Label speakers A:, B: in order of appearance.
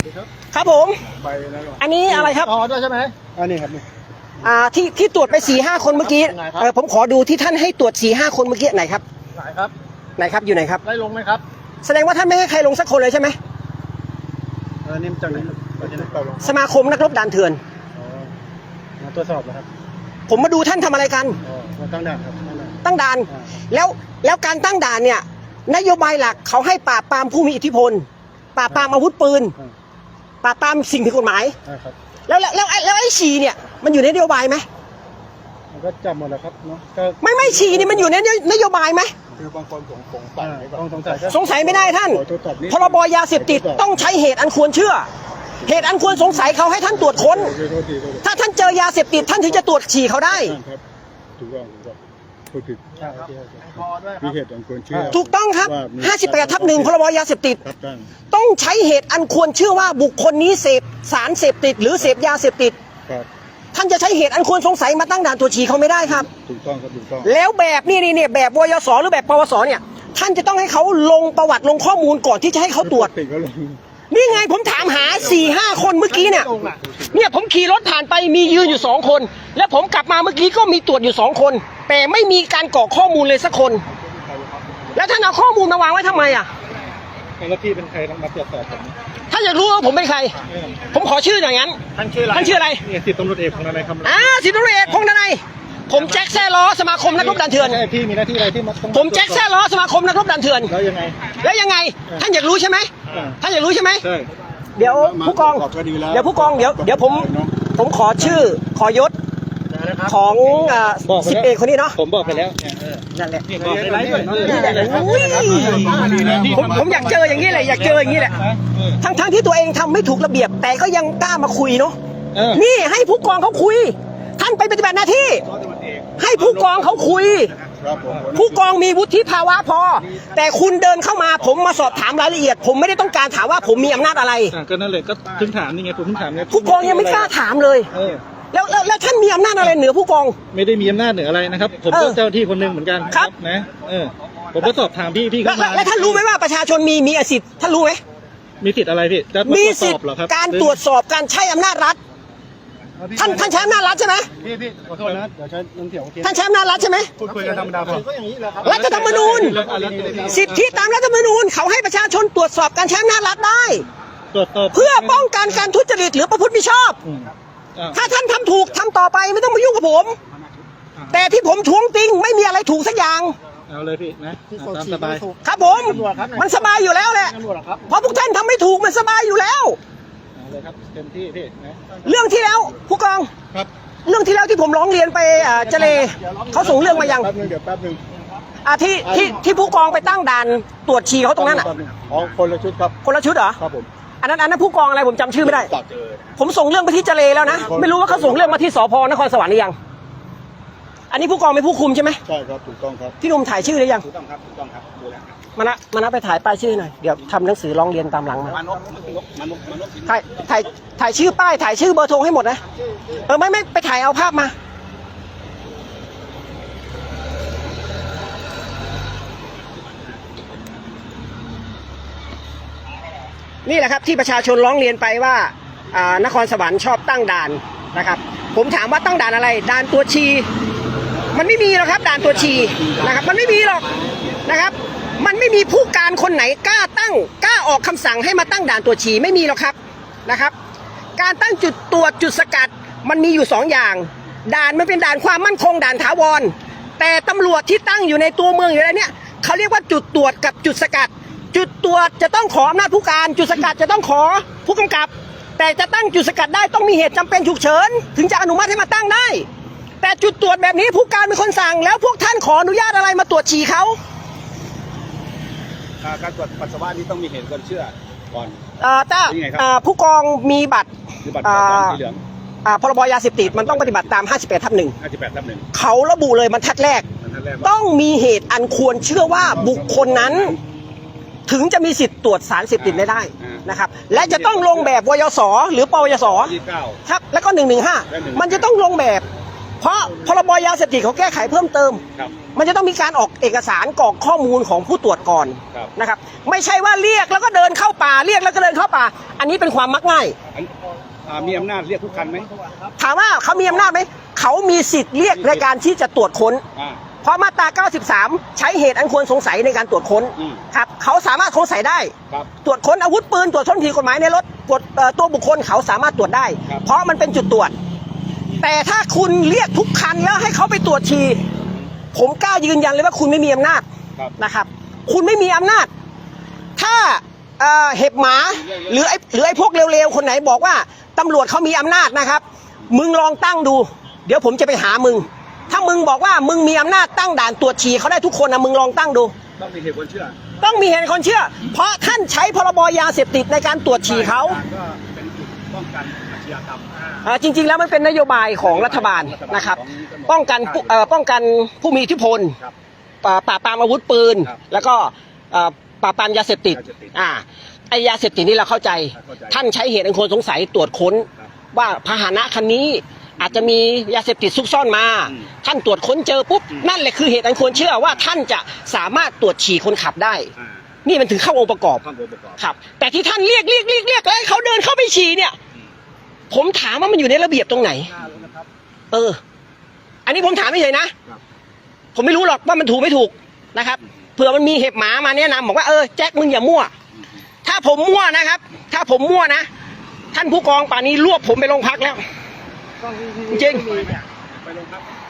A: ดีครับ
B: ครับผม
A: ไปแล้ว
B: อันนี้อะไรครับ
A: อ๋อด้วยใช่ไหมอันนี้ครับ
B: ที่ตรวจไป4-5 คนเมื่อกี้ผมขอดูที่ท่านให้ตรวจ4-5 คนเมื่อกี้ไหนครับ
A: ไหนครับ
B: ไหนครับอยู่ไหนครับ
A: ไล่ลงไหมครับ
B: แสดงว่าท่านไม่ให้ใครลงสักคนเลยใช่ไหม
A: นี่จากไหน
B: สมาคมนักรบด่านเถื่อน
A: มาตรวจสอบนะครับ
B: ผมมาดูท่านทำอะไรกัน
A: มาตั้งด่านครับ
B: ตั้งด่านแล้วการตั้งด่านเนี่ยนโยบายหลักเขาให้ปราบปรามผู้มีอิทธิพลปราบปรามอาวุธปืนปราบปรามสิ่งผิดกฎหมายแล้วไอ้ฉี่เนี่ยมันอยู่ในนโยบายไหม
A: มันก็จำหมดแล้วครับเนาะ
B: ไม่ฉี่นี่มันอยู่ในนโยบายไหม
A: คือบางคน
B: สงสัยไม่ได้ท่านพรบยาเสพติดต้องใช้เหตุอันควรเชื่อเหตุอันควรสงสัยเขาให้ท่านตรวจค้นถ้าท่านเจอยาเสพติดท่านถึงจะตรวจฉี่เขาได้
A: ถูกต้องพูดผิดมีเหตุอันควรเชื่อ
B: ถูกต้องครับ58/1พรบยาเสพติดต้องใช้เหตุอันควรเชื่อว่าบุคคลนี้เสพสารเสพติดหรือเสพยาเสพติดท่านจะใช้เหตุอันควรสงสัยมาตั้งด่านตรวจฉี่เขาไม่ได้ครับ
A: ถูกต้องครับถูกต้อง
B: แล้วแบบนี่แบบวยสหรือแบบปวสเนี่ยท่านจะต้องให้เขาลงประวัติลงข้อมูลก่อนที่จะให้เขาตรวจนี่ไงผมถามหา4-5 คนเมื่อกี้เนี่ยผมขี่รถผ่านไปมียืนอยู่2 คนและผมกลับมาเมื่อกี้ก็มีตรวจอยู่2 คนแต่ไม่มีการกรอกข้อมูลเลยสักคนแล้วท่านเอาข้อมูลมาวางไว้ทำไมอ่ะ
A: แล้วพี่เป็นใครต้องมาตรวจสอบผม
B: ถ้าอยากรู้ว่าผมเป็นใครผมขอชื่ออย่างนั้น
A: ท่านชื่ออะไรนี่10 ตำรวจเอกพงษ์ดนัยคำ
B: 10 ตำรวจเอกพงษ์ดนัยผมแจ็คแซ่ล้อสมาคมนักรบด่านเถื่อน
A: พี่มีหน้าที่อะไรที่
B: ผมแจ็คแซ่ล้อสมาคมนักรบด่านเถื่อน
A: แล้ว
B: ยังไงท่านอยากรู้ใช่ไหมท่านอยากรู้ใช่ไหมเดี๋ยวผู้กองเดี๋ยวผมขอชื่อขอยศของ10 เอกคนนี้เนาะ
A: ผมบอกไปแล้ว
B: นั่นแหละ
A: บอกไปแล้ว
B: ผมอยากเจออย่างนี้เลยอยากเจออย่างนี้แหละทั้งที่ตัวเองทำไม่ถูกระเบียบแต่ก็ยังกล้ามาคุยเนาะนี่ให้ผู้กองเขาคุยท่านไปปฏิบัติหน้าที่ให้ผู้กองเขาคุยผู้กองมีวุฒิภาวะพอแต่คุณเดินเข้ามาผมมาสอบถามรายละเอียดผมไม่ได้ต้องการถามว่าผมมีอำนาจอะไร
A: ก็นั่นเลยก็ถึงถามนี่ไงผมถึงถามไง
B: ผู้กองยังไม่กล้าถามเลยแล้วท่านมีอำนาจอะไรเหนือผู้กอง
A: ไม่ได้มีอำนาจเหนืออะไรนะครับผมก็เจ้าที่คนหนึ่งเหมือนกัน
B: ครับ
A: นะผมก็สอบถามพี่เข้ามา
B: แล้วท่านรู้ไหมว่าประชาชนมีสิทธิ์ท่านรู้ไหม
A: มีสิทธิ์อะไรพี่
B: มีสิทธิ์การตรวจสอบการใช้อำนาจรัฐท่านใช้อำนาจรัฐใช่ไหม
A: พี่ขอโทษนะเดี๋ยวใช้น้ำเถียง
B: ท่านใช้อำนาจรัฐใช่ไหม
A: พูดคุยกันธรรมดาก็อย่างนี้แหละครับ
B: รัฐธรรมนูญสิทธิตามรัฐธรรมนูญเขาให้ประชาชนตรวจสอบการใช้อำนาจรัฐได้เพื่อป้องกันการทุจริตหรือประพฤติมิชอบถ้าท่านทำถูกทำต่อไปไม่ต้องมายุ่งกับผมแต่ที่ผมท้วงติงไม่มีอะไรถูกสักอย่าง
A: เอาเลยพี่นะตามสบาย
B: ครับผมมันสบายอยู่แล้วแหละเพราะพวกท่านทำไม่ถูกมันสบายอยู่แล้ว
A: เลยครับเต็มที่พี่นะ
B: เรื่องที่แล้วผู้กอง
A: ครับ
B: เรื่องที่แล้วที่ผมร้องเรียนไปเจเลเขาส่งเรื่องมายัง
A: แป๊บนึง
B: ที่ผู้กองไปตั้งด่านตรวจฉี่เขาตรงนั้น
A: คนละชุดครับ
B: คนละชุดเหรอ
A: ครับผม
B: อันนั้นผู้กองอะไรผมจำชื่อไม่ได้ผมส่งเรื่องไปที่เจเลแล้วนะไม่รู้ว่าเขาส่งเรื่องมาที่สพนครสวรรค์หรือยังอันนี้ผู้กองเป็นผู้คุมใช่ไหม
A: ใช่ครับถูกต้องครับ
B: พี่หนุ่มถ่ายชื่อหรือยัง
A: ถูกต้องครับดูแล้ว
B: มานะไปถ่ายป้ายชื่อหน่อยเดี๋ยวทำหนังสือร้องเรียนตามหลังมาถ่ายชื่อป้ายถ่ายชื่อเบอร์โทรให้หมดนะไม่ไปถ่ายเอาภาพมานี่แหละครับที่ประชาชนร้องเรียนไปว่านครสวรรค์ชอบตั้งด่านนะครับผมถามว่าตั้งด่านอะไรด่านตัวชีมันไม่มีหรอกครับด่านตัวชีนะครับมันไม่มีหรอกนะครับมันไม่มีผู้การคนไหนกล้าออกคำสั่งให้มาตั้งด่านตรวจฉี่ไม่มีหรอกครับนะครับการตั้งจุดตรวจจุดสกัดมันมีอยู่2 อย่างด่านมันเป็นด่านความมั่นคงด่านถาวรแต่ตำรวจที่ตั้งอยู่ในตัวเมืองอยู่แล้วเนี่ยเขาเรียกว่าจุดตรวจกับจุดสกัดจุดตรวจจะต้องขออำนาจผู้การจุดสกัดจะต้องขอผู้กำกับแต่จะตั้งจุดสกัดได้ต้องมีเหตุจำเป็นฉุกเฉินถึงจะอนุมัติให้มาตั้งได้แต่จุดตรวจแบบนี้ผู้การเป็นคนสั่งแล้วพวกท่านขออนุญาตอะไรมาตรวจฉี่เขา
A: การตรวจปัสสาวะนี่ต้องมีเหตุควรเชื่อก่อน
B: ผู้กองมีบัตร
A: สีเหลือง
B: พรบยาเสพติดมันต้องปฏิบัติตาม
A: 58/1
B: เขาระบุเลยบรรทัดแรกต้องมีเหตุอันควรเชื่อว่าบุคคลนั้นถึงจะมีสิทธิ์ตรวจสารเสพติดได้นะครับและจะต้องลงแบบวยสหรือปวยสครับแล้วก็115มันจะต้องลงแบบเพราะพรบยาเสพติดเขาแก้ไขเพิ่มเติม
A: ครับ
B: มันจะต้องมีการออกเอกสารกรอกข้อมูลของผู้ตรวจก่อน
A: ครับ
B: นะครับไม่ใช่ว่าเรียกแล้วก็เดินเข้าป่าเรียกแล้วก็เดินเข้าป่าอันนี้เป็นความมักง่าย
A: มีอำนาจเรียกทุกคันไหม
B: ถามว่าเขามีอำนาจไหมเขามีสิทธิ์เรียกในการที่จะตรวจค้น เพราะมาตรา 93 ใช้เหตุอันควรสงสัยในการตรวจค้นครับเขาสามารถสงสัยได้ ตรวจค้นอาวุธปืนตรวจค้นผิดกฎหมายในรถตรวจตัวบุคคลเขาสามารถตรวจได้ เพราะมันเป็นจุดตรวจ แต่ถ้าคุณเรียกทุกคันแล้วให้เขาไปตรวจฉี่ผมกล้ายืนยันเลยว่าคุณไม่มีอำนาจนะครับ คุณไม่มีอำนาจ ถ้าเห็บหมาหรือไอ้พวกเร็วๆคนไหนบอกว่าตำรวจเขามีอำนาจนะครับ มึงลองตั้งดู เดี๋ยวผมจะไปหามึง ถ้ามึงบอกว่ามึงมีอำนาจตั้งด่านตรวจฉี่เขาได้ทุกคนนะมึงลองตั้งดู
A: ต้องมีเหตุผลเชื่อ
B: ต้องมีเหตุคนเชื่อ เพราะท่านใช้พรบยาเสพติดในการตรวจฉี่เขา
A: ก็เป็นจุดป้องกันอาชญากรรม
B: จริงๆแล้วมันเป็นนโยบายของรัฐบาลนะครับ ป้องกันผู้มีอิทธิพล ปราบปรามอาวุธปืน แล้วก็ปราบปรามยาเสพติดไอยาเสพติดนี่เราเข้าใจ ท่านใช้เหตุอันควรสงสัยตรวจค้นว่าพาหนะคันนี้อาจจะมียาเสพติดซุกซ่อนมา ท่านตรวจค้นเจอปุ๊บนั่นแหละคือเหตุอันควรเชื่อว่าท่านจะสามารถตรวจฉี่คนขับได้ นี่มันถึงเข้าองค์ประกอบครับ แต่ที่ท่านเรียกแล้วให้เขาเดินเข้าไปฉี่เนี่ย ผมถามว่ามันอยู่ในระเบียบตรงไหน อันนี้ผมถามไม่เฉยนะ ผมไม่รู้หรอกว่ามันถูกไม่ถูกนะครับเผื่อมันมีเห็บหมามาแนะนำบอกว่าแจ็คมึงอย่ามั่ว ถ้าผมมั่วนะครับ ถ้าผมมั่วนะท่านผู้กองป่านนี้รวบผมไปโรงพักแล้วจริง
A: ไปโรงพัก